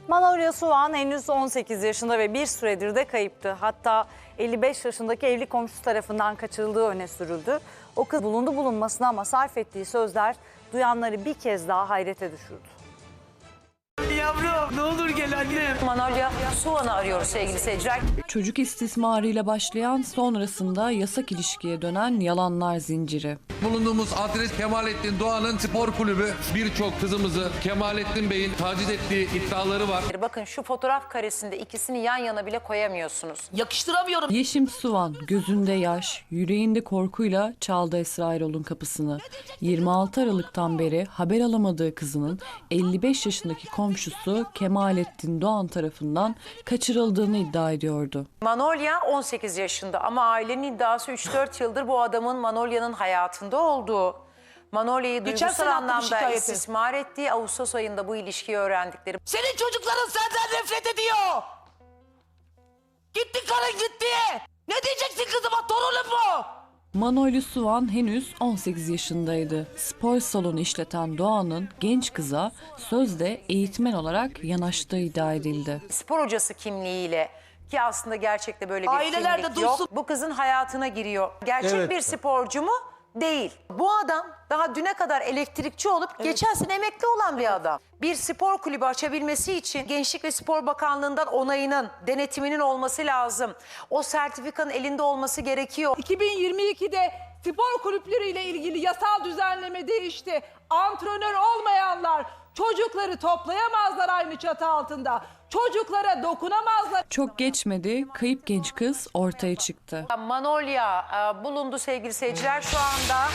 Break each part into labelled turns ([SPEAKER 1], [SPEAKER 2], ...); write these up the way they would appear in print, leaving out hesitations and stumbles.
[SPEAKER 1] Manolya Suvan henüz 18 yaşında ve bir süredir de kayıptı. Hatta 55 yaşındaki evli komşusu tarafından kaçırıldığı öne sürüldü. O kız bulundu bulunmasına ama sarf ettiği sözler duyanları bir kez daha hayrete düşürdü.
[SPEAKER 2] Yavrum ne olur gel annem.
[SPEAKER 3] Manolya Suvan'ı arıyoruz sevgili seyirciler.
[SPEAKER 4] Çocuk istismarıyla başlayan, sonrasında yasak ilişkiye dönen yalanlar zinciri.
[SPEAKER 5] Bulunduğumuz adres Kemalettin Doğan'ın spor kulübü. Birçok kızımızı Kemalettin Bey'in taciz ettiği iddiaları var.
[SPEAKER 3] Bakın şu fotoğraf karesinde ikisini yan yana bile koyamıyorsunuz.
[SPEAKER 2] Yakıştıramıyorum.
[SPEAKER 4] Yeşim Suvan gözünde yaş, yüreğinde korkuyla çaldı Esra Erol'un kapısını. 26 Aralık'tan beri haber alamadığı kızının 55 yaşındaki komşusu Kemalettin Doğan tarafından kaçırıldığını iddia ediyordu.
[SPEAKER 3] Manolya 18 yaşında ama ailenin iddiası 3-4 yıldır bu adamın Manolya'nın hayatında olduğu. Manolya'yı
[SPEAKER 2] Geçen
[SPEAKER 3] duygusal
[SPEAKER 2] sene attı bu
[SPEAKER 3] anlamda
[SPEAKER 2] şikayeti.
[SPEAKER 3] istismar ettiği, Ağustos ayında bu ilişkiyi öğrendikleri.
[SPEAKER 2] Senin çocukların senden nefret ediyor. Gitti karın gitti. Ne diyeceksin kızıma, torunum mu?
[SPEAKER 4] Manolya Suvan henüz 18 yaşındaydı. Spor salonu işleten Doğan'ın genç kıza sözde eğitmen olarak yanaştığı iddia edildi.
[SPEAKER 3] Spor hocası kimliğiyle, ki aslında gerçekte böyle bir
[SPEAKER 2] Aileler de
[SPEAKER 3] kimlik
[SPEAKER 2] duysun.
[SPEAKER 3] yok. Bu kızın hayatına giriyor. Gerçek bir sporcu mu? Değil. Bu adam daha düne kadar elektrikçi olup geçen sene emekli olan bir adam. Bir spor kulübü açabilmesi için Gençlik ve Spor Bakanlığı'ndan onayının, denetiminin olması lazım. O sertifikanın elinde olması gerekiyor.
[SPEAKER 6] 2022'de spor kulüpleriyle ilgili yasal düzenleme değişti. Antrenör olmayanlar çocukları toplayamazlar aynı çatı altında. Çocuklara dokunamazlar.
[SPEAKER 4] Çok geçmedi, kayıp genç kız ortaya çıktı.
[SPEAKER 3] Manolya bulundu sevgili seyirciler şu anda.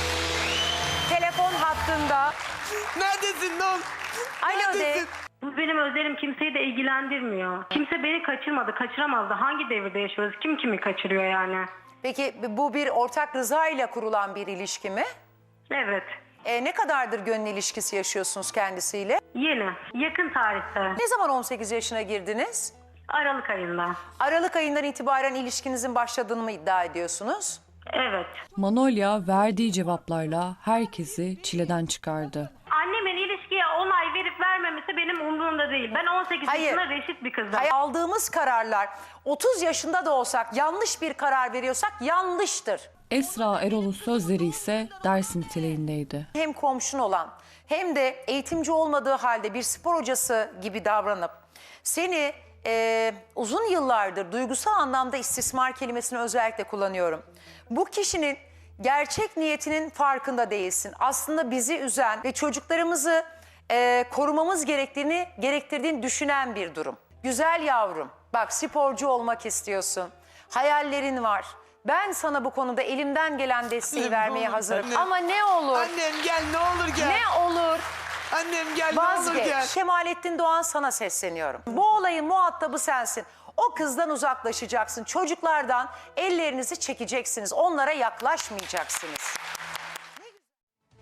[SPEAKER 3] Telefon hattında.
[SPEAKER 2] Neredesin lan?
[SPEAKER 3] Alo de.
[SPEAKER 2] Neredesin?
[SPEAKER 7] Bu benim özelim, kimseyi de ilgilendirmiyor. Kimse beni kaçırmadı, kaçıramazdı. Hangi devirde yaşıyoruz? Kim kimi kaçırıyor yani?
[SPEAKER 3] Peki bu bir ortak rıza ile kurulan bir ilişki mi?
[SPEAKER 7] Evet.
[SPEAKER 3] Ne kadardır gönül ilişkisi yaşıyorsunuz kendisiyle?
[SPEAKER 7] Yeni, yakın tarihte,
[SPEAKER 3] Ne zaman 18 yaşına girdiniz?
[SPEAKER 7] Aralık ayında.
[SPEAKER 3] Aralık ayından itibaren ilişkinizin başladığını mı iddia ediyorsunuz?
[SPEAKER 7] Evet.
[SPEAKER 4] Manolya verdiği cevaplarla herkesi çileden çıkardı.
[SPEAKER 7] Annemin ilişkiye onay verip vermemesi benim umurumda değil. Ben 18
[SPEAKER 3] Hayır.
[SPEAKER 7] yaşında reşit bir kızım.
[SPEAKER 3] Aldığımız kararlar 30 yaşında da olsak yanlış bir karar veriyorsak yanlıştır.
[SPEAKER 4] Esra Erol'un sözleri ise ders niteliğindeydi.
[SPEAKER 3] Hem komşun olan hem de eğitimci olmadığı halde bir spor hocası gibi davranıp seni uzun yıllardır duygusal anlamda istismar kelimesini özellikle kullanıyorum. Bu kişinin gerçek niyetinin farkında değilsin. Aslında bizi üzen ve çocuklarımızı korumamız gerektirdiğini düşünen bir durum. Güzel yavrum, bak sporcu olmak istiyorsun, hayallerin var. Ben sana bu konuda elimden gelen desteği
[SPEAKER 2] Annem,
[SPEAKER 3] vermeye
[SPEAKER 2] ne olur,
[SPEAKER 3] hazırım.
[SPEAKER 2] annem.
[SPEAKER 3] Ama ne olur,
[SPEAKER 2] Annem gel, ne olur gel.
[SPEAKER 3] ne olur
[SPEAKER 2] Annem gel, ne olur gel.
[SPEAKER 3] vazgeç. Kemalettin Doğan, sana sesleniyorum. Bu olayın muhatabı sensin. O kızdan uzaklaşacaksın. Çocuklardan ellerinizi çekeceksiniz. Onlara yaklaşmayacaksınız.